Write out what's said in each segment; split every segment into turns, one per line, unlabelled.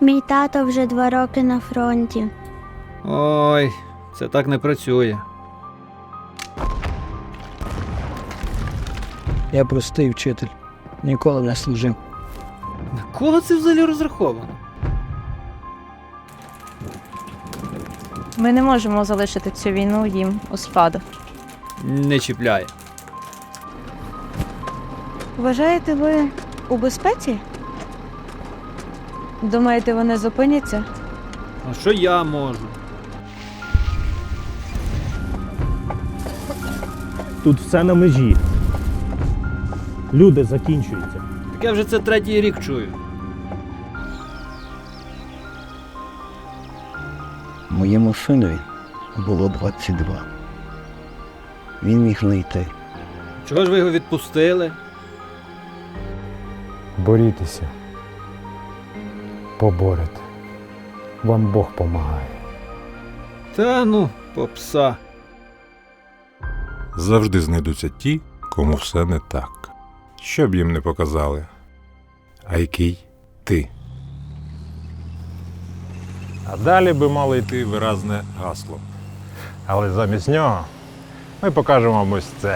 Мій тато вже 2 роки на фронті.
Ой, це так не працює.
Я простий вчитель, ніколи не служив.
На кого це взагалі розраховано?
Ми не можемо залишити цю війну їм у спадок.
Не чіпляє.
Вважаєте, ви у безпеці? Думаєте, вони зупиняться?
А що я можу?
Тут все на межі. Люди закінчуються.
Так я вже це 3-й рік чую.
Моєму синові було 22. Він міг не йти.
Чого ж ви його відпустили?
Борітеся. Поборете. Вам Бог помагає.
Та ну, попса.
Завжди знайдуться ті, кому все не так. Що б їм не показали. А який ти? А далі би мало йти виразне гасло. Але замість нього ми покажемо вам ось це.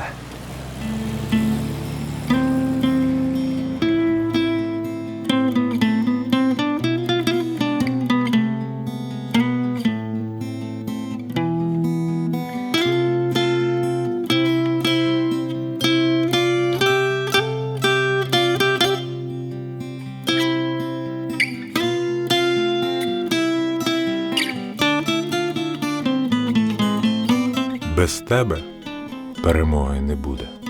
Без тебе перемоги не буде.